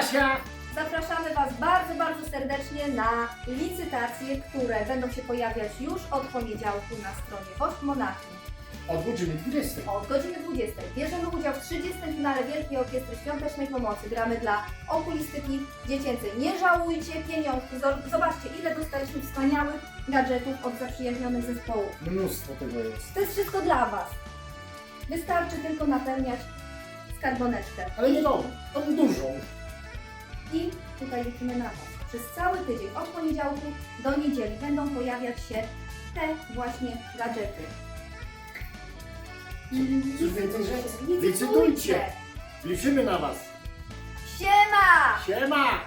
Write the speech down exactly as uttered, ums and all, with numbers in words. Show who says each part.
Speaker 1: Kasia!
Speaker 2: Zapraszamy Was bardzo, bardzo serdecznie na licytacje, które będą się pojawiać już od poniedziałku na stronie Wośp Monachium.
Speaker 1: Od godziny dwudziestej.
Speaker 2: Od godziny dwudziestej bierzemy udział w trzydziestym finale Wielkiej Orkiestry Świątecznej Pomocy. Gramy dla okulistyki dziecięcej. Nie żałujcie pieniążków. Zobaczcie, ile dostaliśmy wspaniałych gadżetów od zaprzyjaźnionych zespołów.
Speaker 1: Mnóstwo tego jest.
Speaker 2: To jest wszystko dla Was. Wystarczy tylko napełniać skarboneczkę.
Speaker 1: Ale nie tą, tą dużą.
Speaker 2: I tutaj liczymy na Was. Przez cały tydzień, od poniedziałku do niedzieli będą pojawiać się te właśnie gadżety. I
Speaker 1: Coś więcej rzeczy.
Speaker 2: licytujcie!
Speaker 1: Liczymy na was.
Speaker 2: Siema!
Speaker 1: Siema!